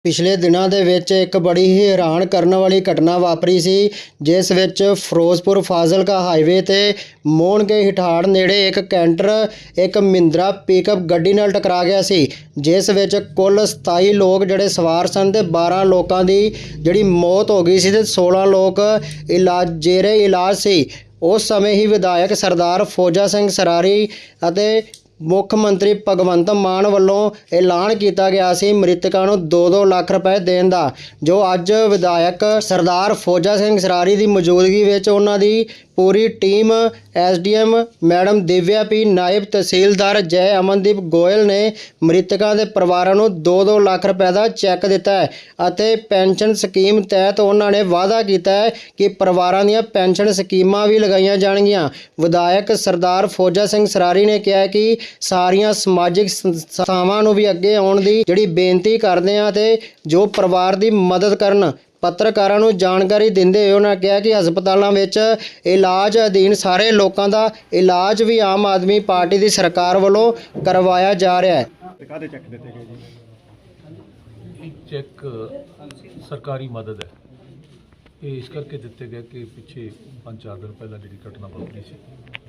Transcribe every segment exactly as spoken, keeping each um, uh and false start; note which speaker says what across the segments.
Speaker 1: ਪਿਛਲੇ ਦਿਨਾਂ ਦੇ ਵਿੱਚ ਇੱਕ ਬੜੀ ਹੀ ਹੈਰਾਨ ਕਰਨ ਵਾਲੀ ਘਟਨਾ ਵਾਪਰੀ ਸੀ, ਜਿਸ ਵਿੱਚ ਫਿਰੋਜ਼ਪੁਰ ਫਾਜ਼ਿਲਕਾ ਹਾਈਵੇ ਤੇ ਮੋਹਣਕੇ ਹਿਠਾੜ ਨੇੜੇ ਇੱਕ ਕੈਂਟਰ ਇੱਕ ਮਹਿੰਦਰਾ ਪਿਕਅਪ ਗੱਡੀ ਨਾਲ ਟਕਰਾ ਗਿਆ ਸੀ, ਜਿਸ ਵਿੱਚ ਕੁੱਲ ਸਤਾਈ ਲੋਕ ਜਿਹੜੇ ਸਵਾਰ ਸਨ ਤੇ ਬਾਰਾਂ ਲੋਕਾਂ ਦੀ ਜਿਹੜੀ ਮੌਤ ਹੋ ਗਈ ਸੀ ਤੇ ਸੋਲਾਂ ਲੋਕ ਇਲਾਜ ਜੇਰੇ ਇਲਾਜ ਸੀ। ਉਸ ਸਮੇਂ ਹੀ ਵਿਧਾਇਕ ਸਰਦਾਰ ਫੌਜਾ ਸਿੰਘ ਸਰਾਰੀ ਅਤੇ ਮੁੱਖ ਮੰਤਰੀ ਭਗਵੰਤ ਮਾਨ ਵੱਲੋਂ ਐਲਾਨ ਕੀਤਾ ਗਿਆ ਸੀ ਮ੍ਰਿਤਕਾਂ ਨੂੰ ਦੋ ਦੋ ਲੱਖ ਰੁਪਏ ਦੇਣ ਦਾ, ਜੋ ਅੱਜ ਵਿਧਾਇਕ ਸਰਦਾਰ ਫੌਜਾ ਸਿੰਘ ਸਰਾਰੀ ਦੀ ਮੌਜੂਦਗੀ ਵਿੱਚ ਉਹਨਾਂ ਦੀ ਪੂਰੀ team S D M madam Divya ਪੀ, ਨਾਇਬ ਤਹਿਸੀਲਦਾਰ ਜੈ ਅਮਨਦੀਪ ਗੋਇਲ ਨੇ ਮ੍ਰਿਤਕਾਂ ਦੇ ਪਰਿਵਾਰਾਂ ਨੂੰ ਦੋ ਦੋ ਲੱਖ ਰੁਪਏ ਦਾ ਚੈੱਕ ਦਿੱਤਾ ਹੈ ਅਤੇ ਪੈਨਸ਼ਨ ਸਕੀਮ ਤਹਿਤ ਉਹਨਾਂ ਨੇ ਵਾਅਦਾ ਕੀਤਾ ਹੈ ਕਿ ਪਰਿਵਾਰਾਂ ਦੀਆਂ ਪੈਨਸ਼ਨ ਸਕੀਮਾਂ ਵੀ ਲਗਾਈਆਂ ਜਾਣਗੀਆਂ। ਵਿਧਾਇਕ ਸਰਦਾਰ ਫੌਜਾ ਸਿੰਘ ਸਰਾਰੀ ਨੇ ਕਿਹਾ ਕਿ ਸਾਰੀਆਂ ਸਮਾਜਿਕ ਸੰਸਥਾਵਾਂ ਨੂੰ ਵੀ ਅੱਗੇ ਆਉਣ ਦੀ ਜਿਹੜੀ ਬੇਨਤੀ ਕਰਦੇ ਹਾਂ ਤੇ ਜੋ ਪਰਿਵਾਰ ਦੀ ਮਦਦ ਕਰਨ। ਪੱਤਰਕਾਰਾਂ ਨੂੰ ਜਾਣਕਾਰੀ ਦਿੰਦੇ ਹੋਏ ਉਹਨਾਂ ਕਿਹਾ ਕਿ ਹਸਪਤਾਲਾਂ ਵਿੱਚ ਇਲਾਜ ਅਧੀਨ ਸਾਰੇ ਲੋਕਾਂ ਦਾ ਇਲਾਜ ਵੀ ਆਮ ਆਦਮੀ ਪਾਰਟੀ ਦੀ ਸਰਕਾਰ ਵੱਲੋਂ ਕਰਵਾਇਆ ਜਾ ਰਿਹਾ ਹੈ।
Speaker 2: ਕਾਹਦੇ ਚੈੱਕ ਦਿੱਤੇ ਗਏ ਜੀ?
Speaker 3: एक चेक सरकारी मदद है। ये इस करके दिते गए कि पिछे पाँच चार दिन पहला जी घटना वापरी सी,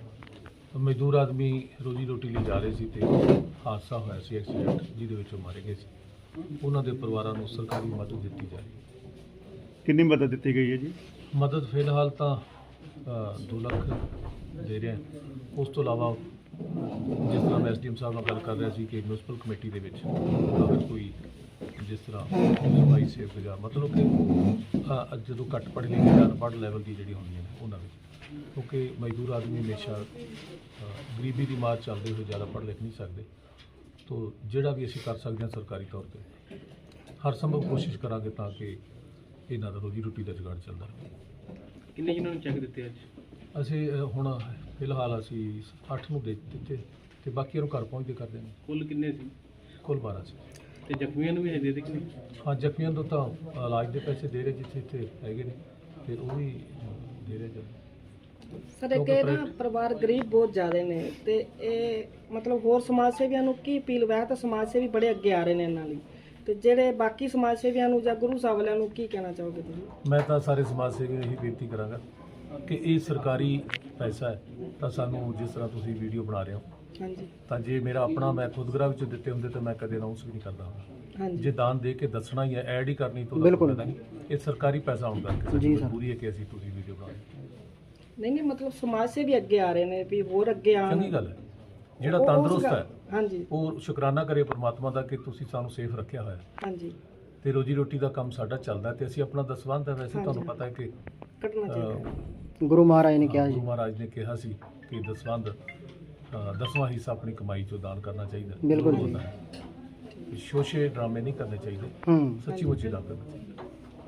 Speaker 3: मजदूर आदमी रोजी रोटी लिए जा रहे सी ते हादसा होया सी, एक्सीडेंट जिहदे विच वो मारे गए सी। उन्हां दे परिवारां नूं सरकारी मदद दित्ती जा रही है।
Speaker 2: कितनी मदद दी गई है जी?
Speaker 3: मदद फिलहाल तो दो लाख दे रहे हैं। उस तो इलावा जिस तरह मैं एस डी एम साहब नाल गल कर रहा सी कि म्यूनसिपल कमेटी दे विच अगर कोई जिस तरह सफाई सेवक या मतलब कि जो घट पढ़े लिखे या अनपढ़ लैवल की जी होंगी ने उन्होंने, क्योंकि मजदूर आदमी हमेशा गरीबी की मार चलते हुए ज़्यादा पढ़ लिख नहीं सकते, तो जोड़ा भी असीं कर सकते हैं सरकारी तौर पर हर संभव कोशिश करांगे ताकि इन्हां दा रोजी रोटी का जुगाड़ चलता रहे।
Speaker 4: किन्ने जिन्होंने चेक दिते अज?
Speaker 3: ਅਸੀਂ ਹੁਣ ਫਿਲਹਾਲ ਅਸੀਂ ਅੱਠ ਨੂੰ ਦੇ ਦਿੱਤੇ ਤੇ ਬਾਕੀਆਂ ਨੂੰ ਘਰ ਪਹੁੰਚਦੇ ਕਰਦੇ ਨੇ।
Speaker 4: ਕੁੱਲ ਕਿੰਨੇ ਸੀ?
Speaker 3: ਕੁੱਲ ਬਾਰਾਂ ਸੀ।
Speaker 4: ਤੇ ਜ਼ਖਮੀਆਂ ਨੂੰ ਵੀ ਦੇ ਦਿੱਤੇ?
Speaker 3: ਹਾਂ, ਜ਼ਖਮੀਆਂ ਨੂੰ ਤਾਂ ਇਲਾਜ ਦੇ ਪੈਸੇ ਦੇ ਰਹੇ ਜਿੱਥੇ ਇੱਥੇ ਹੈਗੇ ਨੇ, ਫਿਰ ਉਹ ਵੀ ਦੇ ਰਹੇ ਜਦ।
Speaker 5: ਸਰ ਇੱਕ ਇਹ ਨਾ ਪਰਿਵਾਰ ਗਰੀਬ ਬਹੁਤ ਜ਼ਿਆਦਾ ਨੇ ਤੇ ਇਹ ਮਤਲਬ ਹੋਰ ਸਮਾਜ ਸੇਵੀਆਂ ਨੂੰ ਕੀ ਅਪੀਲ ਵੈ ਤਾਂ ਸਮਾਜ ਸੇਵੀ ਬੜੇ ਅੱਗੇ ਆ ਰਹੇ ਨੇ ਇਹਨਾਂ ਲਈ, ਤੇ ਜਿਹੜੇ ਬਾਕੀ ਸਮਾਜ ਸੇਵੀਆਂ ਨੂੰ ਜਾਂ ਗੁਰੂ ਸਾਹਿਬ ਵਾਲਿਆਂ ਨੂੰ ਕੀ ਕਹਿਣਾ ਚਾਹੋਗੇ ਤੁਸੀਂ?
Speaker 3: ਮੈਂ ਤਾਂ ਸਾਰੇ ਸਮਾਜ ਸੇਵੀਆਂ ਨੂੰ ਇਹੀ ਬੇਨਤੀ ਕਰਾਂਗਾ ਕਿ ਇਹ ਸਰਕਾਰੀ ਪੈਸਾ ਹੈ ਤਾਂ ਸਾਨੂੰ ਜਿਸ ਤਰ੍ਹਾਂ ਤੁਸੀਂ ਵੀਡੀਓ ਬਣਾ ਰਹੇ ਹੋ,
Speaker 5: ਹਾਂਜੀ
Speaker 3: ਤਾਂ ਜੇ ਮੇਰਾ ਆਪਣਾ ਮੈਂ ਖੁਦਗਰਾ ਵਿੱਚ ਦਿੱਤੇ ਹੁੰਦੇ ਤਾਂ ਮੈਂ ਕਦੇ ਅਨਾਉਂਸ ਵੀ ਨਹੀਂ ਕਰਦਾ ਹੁੰਦਾ।
Speaker 5: ਹਾਂਜੀ
Speaker 3: ਜੇ ਦਾਨ ਦੇ ਕੇ ਦੱਸਣਾ ਹੀ ਹੈ, ਐਡ ਹੀ ਕਰਨੀ ਤੋਂ
Speaker 1: ਬਿਲਕੁਲ
Speaker 3: ਨਹੀਂ, ਇਹ ਸਰਕਾਰੀ ਪੈਸਾ ਹੁੰਦਾ ਕਿ
Speaker 1: ਜੀ ਸਰ।
Speaker 3: ਮਜਬੂਰੀ ਹੈ ਕਿ ਅਸੀਂ ਤੁਸੀਂ ਵੀਡੀਓ ਬਣਾ ਰਹੇ।
Speaker 5: ਨਹੀਂ ਨਹੀਂ ਮਤਲਬ ਸਮਾਜ ਸੇਵੀ ਅੱਗੇ ਆ ਰਹੇ ਨੇ ਵੀ ਹੋਰ ਅੱਗੇ ਆਉਣ।
Speaker 3: ਚੰਗੀ ਗੱਲ ਹੈ, ਜਿਹੜਾ
Speaker 5: ਉਹ- ਉਸ
Speaker 3: ਤੰਦਰੁਸਤ
Speaker 5: ਗੱਲ-
Speaker 3: ਹੈ
Speaker 5: ਹਾਂਜੀ
Speaker 3: ਉਹ ਸ਼ੁਕਰਾਨਾ ਕਰੇ ਪਰਮਾਤਮਾ ਦਾ ਕਿ ਤੁਸੀਂ ਸਾਨੂੰ ਸੇਫ ਰੱਖਿਆ ਹੋਇਆ
Speaker 5: ਹਾਂਜੀ
Speaker 3: ਤੇ ਰੋਜੀ ਰੋਟੀ ਦਾ ਕੰਮ ਸਾਡਾ ਚੱਲਦਾ ਤੇ ਅਸੀਂ ਆਪਣਾ ਦਸਵੰਧ ਹੈ। ਵੈਸੇ ਤੁਹਾਨੂੰ ਪਤਾ ਹੈ ਕਿ
Speaker 5: ਕੱਟਣਾ ਚਾਹੀਦਾ ਹੈ।
Speaker 3: ਅਹ,
Speaker 1: ਗੁਰੂ ਮਹਾਰਾਜ ਨੇ ਕਿਹਾ ਜੀ।
Speaker 3: ਗੁਰੂ ਮਹਾਰਾਜ ਨੇ ਕਿਹਾ ਸੀ ਕਿ ਦਸਵੰਧ ਅਹ, ਦਸਵਾਂ ਹਿੱਸਾ ਆਪਣੀ ਕਮਾਈ ਚੋਂ ਦਾਨ ਕਰਨਾ ਚਾਹੀਦਾ।
Speaker 1: ਬਿਲਕੁਲ ਜੀ।
Speaker 3: ਹੁੰਦਾ ਹੈ। ਤੇ ਸ਼ੋਸ਼ੇ ਡਰਾਮੇ ਨਹੀਂ ਕਰਨੇ ਚਾਹੀਦੇ,
Speaker 1: ਹੂੰ
Speaker 3: ਸੱਚੀ ਮੁੱਚੀ ਦਾਨ ਕਰਨਾ ਚਾਹੀਦਾ।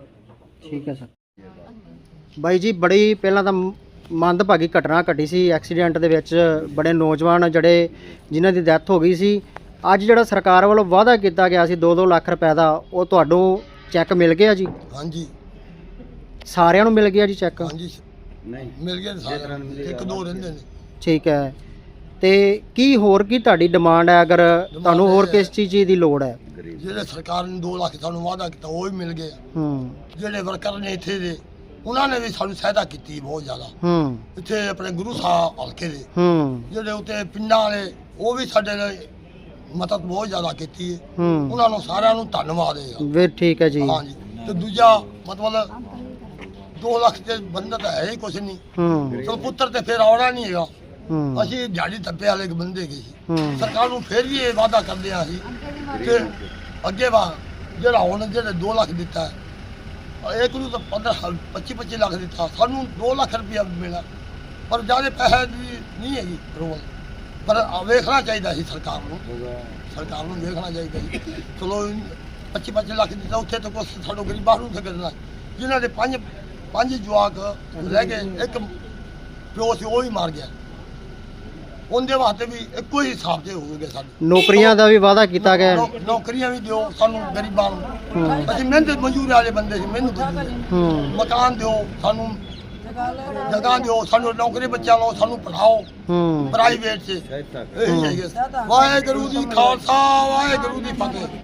Speaker 1: ਠੀਕ ਹੈ ਸਰ। ਬਾਈ ਜੀ, ਬੜੀ ਪਹਿਲਾਂ ਤਾਂ ਮੰਦਭਾਗੀ ਘਟਨਾ ਘਟੀ ਸੀ ਐਕਸੀਡੈਂਟ ਦੇ ਵਿੱਚ, ਬੜੇ ਨੌਜਵਾਨ ਜਿਹੜੇ ਜਿਨ੍ਹਾਂ ਦੀ ਡੈਥ ਹੋ ਗਈ ਸੀ। ਅੱਜ ਜਿਹੜਾ ਸਰਕਾਰ ਵੱਲੋਂ ਵਾਅਦਾ ਕੀਤਾ ਗਿਆ ਸੀ ਦੋ ਦੋ ਲੱਖ ਰੁਪਏ ਦਾ, ਉਹ ਤੁਹਾਨੂੰ ਚੈੱਕ ਮਿਲ ਗਿਆ ਜੀ?
Speaker 6: ਹਾਂਜੀ
Speaker 1: ਸਾਰਿਆਂ ਨੂੰ ਮਿਲ ਗਿਆ ਜੀ ਚੈੱਕ?
Speaker 6: ਹਾਂਜੀ ਨਹੀਂ ਮਿਲ ਗਿਆ ਸਾਰਿਆਂ ਨੂੰ, ਇੱਕ ਦੋ ਰਹਿੰਦੇ ਨੇ।
Speaker 1: ਠੀਕ ਹੈ, ਤੇ ਕੀ ਹੋਰ ਕੀ ਤੁਹਾਡੀ ਡਿਮਾਂਡ ਹੈ, ਅਗਰ ਤੁਹਾਨੂੰ ਹੋਰ ਕਿਸ ਚੀਜ਼ ਦੀ ਲੋੜ ਹੈ?
Speaker 6: ਜਿਹੜੇ ਸਰਕਾਰ ਨੇ ਦੋ ਲੱਖ ਸਾਨੂੰ ਵਾਅਦਾ ਕੀਤਾ ਉਹ ਵੀ ਮਿਲ ਗਏ।
Speaker 1: ਹੂੰ
Speaker 6: ਜਿਹੜੇ ਵਰਕਰ ਨੇ ਇੱਥੇ ਦੇ ਉਹਨਾਂ ਨੇ ਵੀ ਸਾਨੂੰ ਸਹਾਇਤਾ ਕੀਤੀ ਬਹੁਤ ਜ਼ਿਆਦਾ।
Speaker 1: ਹੂੰ
Speaker 6: ਇੱਥੇ ਆਪਣੇ ਗੁਰੂ ਸਾਹਿਬ ਹਲਕੇ ਦੇ
Speaker 1: ਹੂੰ
Speaker 6: ਜਿਹੜੇ ਉੱਤੇ ਪਿੰਡਾਂ ਵਾਲੇ ਉਹ ਵੀ ਸਾਡੇ ਨਾਲ ਮਦਦ ਬਹੁਤ ਜ਼ਿਆਦਾ ਕੀਤੀ ਹੈ।
Speaker 1: ਹੂੰ
Speaker 6: ਉਹਨਾਂ ਨੂੰ ਸਾਰਿਆਂ ਨੂੰ ਧੰਨਵਾਦ ਹੈ।
Speaker 1: ਫਿਰ ਠੀਕ ਹੈ ਜੀ।
Speaker 6: ਹਾਂਜੀ, ਤੇ ਦੂਜਾ ਮਤਲਬ ਦੋ ਲੱਖ ਦੇ ਬੰਦਾ ਤਾਂ ਹੈ ਹੀ ਕੁਛ ਨਹੀਂ।
Speaker 1: ਹੂੰ
Speaker 6: ਚਲ ਪੁੱਤਰ ਤੇ ਫਿਰ ਆਉਣਾ ਨਹੀਂ ਹੈਗਾ।
Speaker 1: ਹੂੰ
Speaker 6: ਅਸੀਂ ਦਿਹਾੜੀ ਧੱਪੇ ਵਾਲੇ ਬੰਦੇ ਗਏ ਸੀ।
Speaker 1: ਹੂੰ
Speaker 6: ਸਰਕਾਰ ਨੂੰ ਫਿਰ ਵੀ ਇਹ ਵਾਅਦਾ ਕਰਦੇ ਹਾਂ ਅਸੀਂ ਕਿ ਅੱਗੇ ਵਾ ਜਿਹੜਾ ਹੁਣ ਜਿਹੜੇ ਦੋ ਲੱਖ ਦਿੱਤਾ ਹੈ, ਇੱਕ ਨੂੰ ਤਾਂ ਪੰਦਰਾਂ ਪੱਚੀ ਪੱਚੀ ਲੱਖ ਦਿੱਤਾ, ਸਾਨੂੰ ਦੋ ਲੱਖ ਰੁਪਇਆ ਮਿਲਿਆ, ਪਰ ਜ਼ਿਆਦਾ ਪੈਸੇ ਦੀ ਨਹੀਂ ਹੈਗੀ ਰੋਲ। ਪਰ ਵੇਖਣਾ ਚਾਹੀਦਾ ਸੀ ਸਰਕਾਰ ਨੂੰ, ਸਰਕਾਰ ਨੂੰ ਵੇਖਣਾ ਚਾਹੀਦਾ ਸੀ। ਚਲੋ ਪੱਚੀ ਪੱਚੀ ਲੱਖ ਦਿੱਤਾ, ਉੱਥੇ ਤਾਂ ਕੁਛ ਸਾਨੂੰ ਗਰੀਬਾਂ ਨੂੰ ਕਰਨਾ। ਜਿਨ੍ਹਾਂ ਦੇ ਪੰਜ ਪੰਜ ਜਵਾਕ ਰਹਿ ਗਏ, ਇੱਕ ਪਿਓ ਸੀ ਉਹ ਹੀ ਮਾਰ ਗਿਆ, ਉਹਦੇ ਵਾਸਤੇ ਵੀ ਇੱਕੋ ਹੀ ਹਿਸਾਬ ਤੇ ਹੋਵੇਗਾ। ਸਾਡੇ
Speaker 1: ਨੌਕਰੀਆਂ ਦਾ ਵੀ ਵਾਅਦਾ ਕੀਤਾ ਗਿਆ।
Speaker 6: ਨੌ- ਨੌਕਰੀਆਂ ਵੀ ਦਿਓ ਸਾਨੂੰ ਗਰੀਬਾਂ ਨੂੰ। ਅਸੀਂ ਮਿਹਨਤ ਮਜ਼ਦੂਰ ਵਾਲੇ ਬੰਦੇ ਸੀ, ਮਿਹਨਤ ਮਜ਼ਦੂਰ।
Speaker 1: ਹੂੰ
Speaker 6: ਮਕਾਨ ਦਿਓ ਸਾਨੂੰ, ਜਗ੍ਹਾ ਦਿਓ ਸਾਨੂੰ, ਨੌਕਰੀ ਬੱਚਿਆਂ ਨੂੰ ਸਾਨੂੰ ਪੜ੍ਹਾਓ
Speaker 1: ਹੂੰ
Speaker 6: ਪ੍ਰਾਈਵੇਟ 'ਚ। ਇਹੀ ਹੈਗੇ। ਵਾਹਿਗੁਰੂ ਜੀ ਖਾਲਸਾ, ਵਾਹਿਗੁਰੂ ਜੀ ਫਤਿਹ।